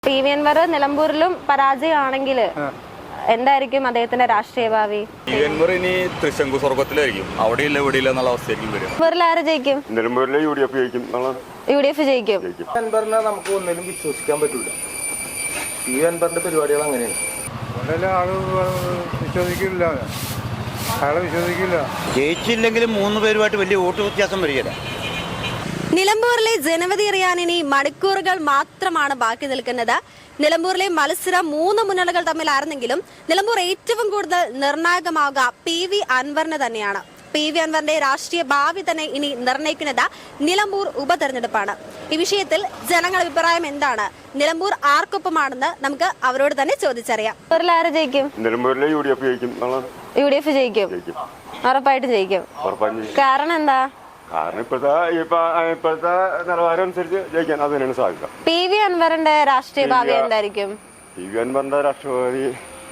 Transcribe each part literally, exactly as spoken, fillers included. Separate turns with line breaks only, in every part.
P V Anwar നിലമ്പൂരിലും പരാജയമാണെങ്കിൽ എന്തായിരിക്കും അദ്ദേഹത്തിന്റെ രാഷ്ട്രീയ ഭാവി?
പി വി അൻവർ ഇനി തൃശങ്കു സ്വർഗത്തിലായിരിക്കും, അവിടെ ഇല്ല ഇവിടെ ഇല്ല എന്നുള്ള അവസ്ഥയായിരിക്കും വരും.
നിലമ്പൂരിൽ ആര് ജയിക്കും?
നിലമ്പൂരിലെ യു ഡി എഫ് ജയിക്കും.
യു ഡി എഫ് ജയിക്കും.
അൻവറിനെ നമുക്ക് ഒന്നിനും വിശ്വസിക്കാൻ പറ്റൂല. പി വി അൻവറിന്റെ പരിപാടികൾ അങ്ങനെയാണ്.
ആള് വിശ്വസിക്കില്ല, അയാളെ വിശ്വസിക്കില്ല.
ജയിച്ചില്ലെങ്കിലും മൂന്ന് പേരുമായിട്ട് വലിയ വോട്ട് വ്യത്യാസം വരികയില്ല.
നിലമ്പൂരിലെ ജനവിധി അറിയാൻ ഇനി മണിക്കൂറുകൾ മാത്രമാണ് ബാക്കി നിൽക്കുന്നത്. നിലമ്പൂരിലെ മത്സരം മൂന്ന് മുന്നണികൾ തമ്മിലായിരുന്നെങ്കിലും നിലമ്പൂർ ഏറ്റവും കൂടുതൽ നിർണായകമാവുക പി വി അൻവറിന് തന്നെയാണ്. പി വി അൻവറിന്റെ രാഷ്ട്രീയ ഭാവി തന്നെ ഇനി നിർണ്ണയിക്കുന്നത് നിലമ്പൂർ ഉപതെരഞ്ഞെടുപ്പാണ്. ഈ വിഷയത്തിൽ ജനങ്ങളുടെ അഭിപ്രായം എന്താണ്? നിലമ്പൂർ ആർക്കൊപ്പമാണെന്ന് നമുക്ക് അവരോട് തന്നെ ചോദിച്ചറിയാം. ആര് ജയിക്കും?
നിലമ്പൂരിലെ യു ഡി എഫ് ജയിക്കും.
യു ഡി എഫ് ജയിക്കും, ഉറപ്പായിട്ടും ജയിക്കും. കാരണം എന്താ?
കാരണം ഇപ്പോഴത്തെ ഇപ്പോഴത്തെ നിലവാരം അനുസരിച്ച് ജയിക്കാൻ അത് തന്നെയാണ് സാധ്യത.
പി വി അൻവറിന്റെ രാഷ്ട്രീയ ഭാവി എന്തായിരിക്കും?
പി വി അൻവറിന്റെ രാഷ്ട്രീയ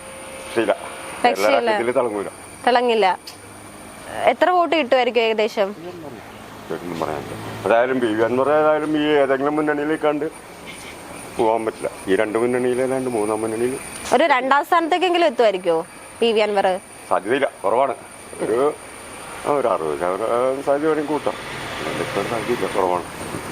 തിളങ്ങൂല
തിളങ്ങില്ല. എത്ര വോട്ട് കിട്ടുമായിരിക്കും ഏകദേശം?
അതായാലും പി വി അൻവർ ഏതായാലും ഈ ഏതെങ്കിലും മുന്നണിയിലേക്ക് കണ്ട് പോകാൻ പറ്റില്ല. ഈ രണ്ട് മുന്നണിയിലല്ലാണ്ട് മൂന്നാം മുന്നണിയിൽ
ഒരു രണ്ടാം സ്ഥാനത്തേക്കെങ്കിലും എത്തുമായിരിക്കുമോ പി വി അൻവർ?
സാധ്യതയില്ല, കുറവാണ്. ഒരു ഒരു അറുപത് ശതമാനം സാധ്യത വേണമെങ്കിൽ കൂട്ടാം. സാധ്യതയില്ല, കുറവാണ്.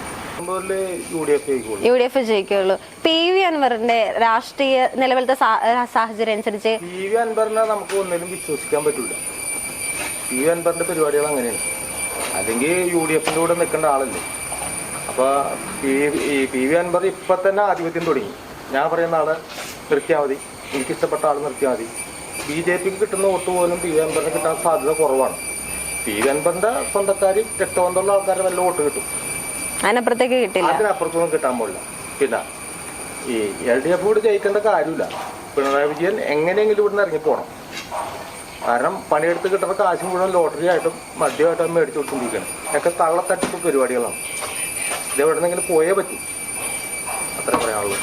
യു ഡി എഫ് ജയിക്കുള്ളൂ. പി വി അൻവറിന്റെ രാഷ്ട്രീയ നിലവിലത്തെ സാഹചര്യം അനുസരിച്ച്
പി വി അൻവറിനെ നമുക്ക് ഒന്നിനും വിശ്വസിക്കാൻ പറ്റൂല. പി വി അൻവറിന്റെ പരിപാടികൾ അങ്ങനെയാണ്. അല്ലെങ്കിൽ യു ഡി എഫിന്റെ കൂടെ നിൽക്കേണ്ട ആളല്ലേ. അപ്പൊ ഈ പി വി അൻവർ ഇപ്പൊ തന്നെ ആധിപത്യം തുടങ്ങി. ഞാൻ പറയുന്ന ആള് നിർത്തിയാൽ മതി, എനിക്കിഷ്ടപ്പെട്ട ആൾ നിർത്തിയാൽ മതി. ബി ജെ പിക്ക് കിട്ടുന്ന വോട്ട് പോലും പി വി അൻവറിന് കിട്ടാൻ സാധ്യത കുറവാണ്. പി വി അൻവറിന്റെ സ്വന്തക്കാർ രക്തബന്ധമുള്ള ആൾക്കാരെ നല്ല വോട്ട് കിട്ടും,
അതിനപ്പുറത്തേക്ക് കിട്ടില്ല,
അതിനപ്പുറത്തൊന്നും കിട്ടാൻ പോലില്ല. പിന്നെ ഈ എൽ ഡി എഫ് കൂടി ജയിക്കേണ്ട കാര്യമില്ല. പിണറായി വിജയൻ എങ്ങനെയെങ്കിലും ഇവിടുന്ന് ഇറങ്ങിപ്പോണം. കാരണം പണിയെടുത്ത് കിട്ടുന്ന കാശ് മുഴുവൻ ലോട്ടറി ആയിട്ടും മദ്യമായിട്ടും മേടിച്ചു കൊടുത്തുകൊണ്ടിരിക്കണം. ഒക്കെ തള്ളത്തട്ടിപ്പ് പരിപാടികളാണ്. ഇത് എവിടെ നിന്നെങ്കിലും പോയേ പറ്റും. അത്ര പറയാനുള്ളൂ.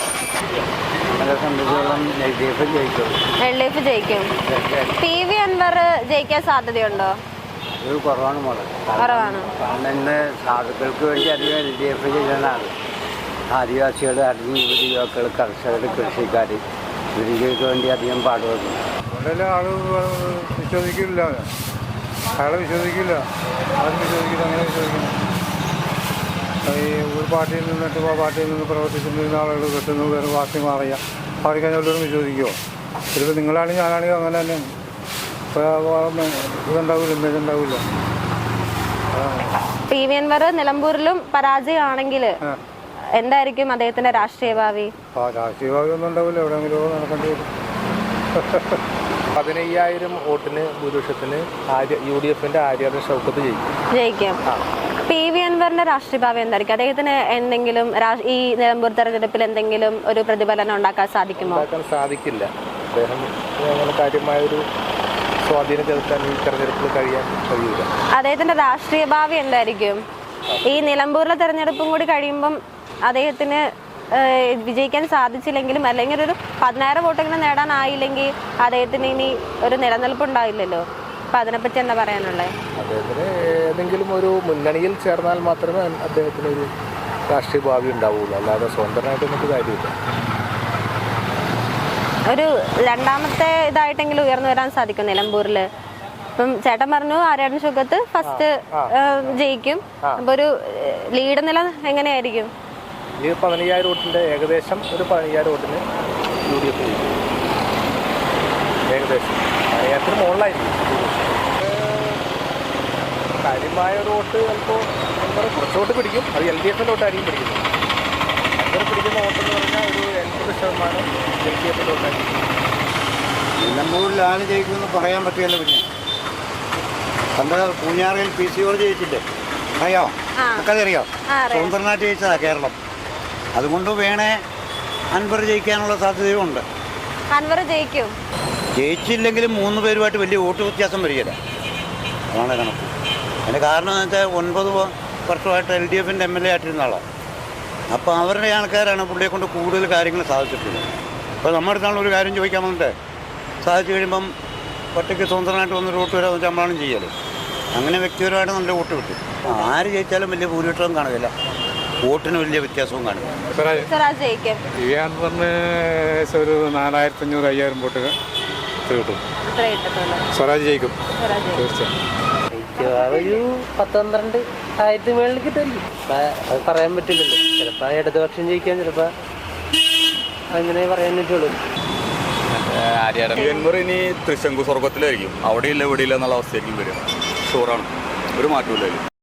എൽ ഡി എഫ് ജയിക്കും. പി വി അൻവർ ജയിക്കാൻ സാധ്യതയുണ്ടോ?
കുറവാണ് മോളെ.
കുറവാണ്.
കാരണം ഇന്ന് സാധുക്കൾക്ക് വേണ്ടി അധികം എൽ ഡി എഫ് ചെയ്യുന്നതാണ്. ആദിവാസികൾ, അടിഞ്ഞ യുവതി യുവാക്കൾ, കർഷകർ, കൃഷിക്കാർ ഇവർക്ക് വേണ്ടി അധികം പാടുപെടുന്നു.
വളരെ ആള് വിശ്വസിക്കില്ല, അയാളെ വിശ്വസിക്കില്ല, ആരും വിശ്വസിക്കില്ല. അങ്ങനെ വിശ്വസിക്കുന്നു. ഈ ഒരു പാർട്ടിയിൽ നിന്നിട്ട് ആ പാർട്ടിയിൽ നിന്ന് പ്രവർത്തിച്ചിരുന്ന ആളുകൾ കിട്ടുന്നു, വേറെ പാർട്ടി മാറിയ പാർട്ടി കഴിഞ്ഞാലും വിശ്വസിക്കുമോ? ചിലപ്പോൾ നിങ്ങളാണെങ്കിൽ ഞാനാണെങ്കിൽ അങ്ങനെ തന്നെയാണ്. ഇതുണ്ടാവില്ല, ഇമേജ് ഉണ്ടാവില്ല.
പി വി അൻവർ നിലമ്പൂരിലും പരാജയമാണെങ്കിൽ എന്തായിരിക്കും അദ്ദേഹത്തിന്റെ രാഷ്ട്രീയ ഭാവി?
രാഷ്ട്രീയ ഭാവി ഒന്നും ഉണ്ടാവില്ല, എവിടെയെങ്കിലും നടക്കേണ്ടി വരും.
പതിനയ്യായിരം വോട്ടിന് ഭൂരിപക്ഷത്തിന് യു ഡി എഫിന്റെ ആര്യാടൻ ഷൗക്കത്ത് ജയിക്കും.
ജയിക്കും. പി വി അൻവറിന്റെ രാഷ്ട്രീയ ഭാവി എന്തായിരിക്കും? അദ്ദേഹത്തിന് എന്തെങ്കിലും ഈ നിലമ്പൂർ തെരഞ്ഞെടുപ്പിൽ എന്തെങ്കിലും ഒരു പ്രതിഫലനം ഉണ്ടാക്കാൻ സാധിക്കുമോ?
ഉണ്ടാക്കാൻ സാധിക്കില്ല. അദ്ദേഹം അങ്ങനെ കാര്യമായൊരു സ്വാധീനം ചെലുത്താൻ ഈ തെരഞ്ഞെടുപ്പിൽ കഴിയാൻ കഴിയില്ല.
അദ്ദേഹത്തിന്റെ രാഷ്ട്രീയ ഭാവി എന്തായിരിക്കും? ഈ നിലമ്പൂരിലെ തെരഞ്ഞെടുപ്പും കൂടി കഴിയുമ്പം അദ്ദേഹത്തിന് വിജയിക്കാൻ സാധിച്ചില്ലെങ്കിലും അല്ലെങ്കിൽ ഒരു പതിനായിരം വോട്ടെങ്കിലും നേടാനായില്ലെങ്കിൽ അദ്ദേഹത്തിന് ഇനി ഒരു നിലനിൽപ്പ് ഉണ്ടാവില്ലല്ലോ. അപ്പൊ അതിനെപ്പറ്റി എന്താ പറയാനുള്ളത്?
അദ്ദേഹത്തിന് ഏതെങ്കിലും ഒരു മുന്നണിയിൽ ചേർന്നാൽ മാത്രമേ അദ്ദേഹത്തിന് ഒരു രാഷ്ട്രീയ ഭാവി ഉണ്ടാവുള്ളൂ. അല്ലാതെ സ്വന്തമായിട്ട് നമുക്ക് കാര്യമില്ല.
ഒരു രണ്ടാമത്തെ ഇതായിട്ടെങ്കിലും ഉയർന്നു വരാൻ സാധിക്കും നിലമ്പൂരില്. ഇപ്പം ചേട്ടൻ പറഞ്ഞു ആര്യാടൻ ഷൗക്കത്ത് ഫസ്റ്റ് ജയിക്കും. അപ്പൊ ഒരു ലീഡ് നില എങ്ങനെയായിരിക്കും?
ഈ പതിനയ്യായിരം വോട്ടിന്റെ ഏകദേശം ഒരു പതിനയ്യായിരം വോട്ടിന് യു ഡി എഫ് ജയിക്കും. ഏകദേശം പതിനയ്യായിരത്തിന് മുകളിലായിരിക്കും. കാര്യമായ ഒരു വോട്ട് ചിലപ്പോൾ കുറച്ച് വോട്ട് പിടിക്കും. അത് എൽ ഡി എഫിൻ്റെ വോട്ടായിരിക്കും പിടിക്കുന്നത്. അങ്ങനെ പിടിക്കുന്ന വോട്ടെന്ന് പറഞ്ഞാൽ ഒരു എൺപത് ശതമാനം എൽ ഡി എഫിൻ്റെ വോട്ടായിരിക്കും.
നിലമ്പൂരിൽ ആര് ജയിക്കുമെന്ന് പറയാൻ പറ്റില്ല. പിന്നെ പണ്ട് പൂഞ്ഞാറിൽ പി സി ഓർ ജയിച്ചില്ലേ, അറിയാമോ? ഒക്കെ അറിയാം. സ്വതന്ത്രനായിട്ട് ജയിച്ചതാ കേരളം. അതുകൊണ്ട് വേണേ അൻവർ ജയിക്കാനുള്ള സാധ്യതയുണ്ട്.
അൻവർ ജയിക്കും.
ജയിച്ചില്ലെങ്കിലും മൂന്ന് പേരുമായിട്ട് വലിയ വോട്ട് വ്യത്യാസം വരികയില്ല. അതാണ് കണക്ക്. അതിൻ്റെ കാരണം എന്ന് വെച്ചാൽ ഒൻപത് വർഷമായിട്ട് എൽ ഡി എഫിൻ്റെ എം എൽ എ ആയിട്ടിരുന്ന ആളാണ്. അപ്പോൾ അവരുടെ ആൾക്കാരാണ് പുള്ളിയെ കൊണ്ട് കൂടുതൽ കാര്യങ്ങൾ സാധിച്ചിട്ടുള്ളത്. ഇപ്പോൾ നമ്മുടെ അടുത്താണ് ഒരു കാര്യം ചോദിക്കാൻ വന്നിട്ട് സാധിച്ചു കഴിയുമ്പം ഒറ്റയ്ക്ക് സ്വതന്ത്രമായിട്ട് വന്ന് വോട്ട് വരാൻ നമ്മളാണ് ചെയ്യല്. അങ്ങനെ വ്യക്തിപരമായിട്ട് നല്ല വോട്ട് കിട്ടും. ആര് ജയിച്ചാലും വലിയ ഭൂരിപക്ഷം കാണുകയില്ല. വോട്ടിന് വലിയ വ്യത്യാസവും കാണും.
സ്വരാജ് ജയിക്കും.
പി വി അൻവറിന് ഒരു നാലായിരത്തി അഞ്ഞൂറ് അയ്യായിരം വോട്ടുകൾ കിട്ടും.
ഇത്രേ കിട്ടത്തുള്ളൂ.
സ്വരാജ് ജയിക്കും
സ്വരാജ് ജയിക്കും.
തീർച്ചയായും.
ഒരു പത്ത് പന്ത്രണ്ട് ആയിരത്തി മേളിൽ കിട്ടുമായിരിക്കും. അത് പറയാൻ പറ്റില്ലല്ലോ. ചിലപ്പോൾ ഇടതുപക്ഷം ജയിക്കാൻ, ചിലപ്പോൾ അങ്ങനെ പറയാൻ പറ്റുള്ളൂ.
പി അൻവർ ഇനി തൃശങ്കു സ്വർഗത്തിലായിരിക്കും. അവിടെയില്ല ഇവിടെയില്ല എന്നുള്ള അവസ്ഥയായിരിക്കും വരും. ഷുവറാണ്, ഒരു മാറ്റമില്ല.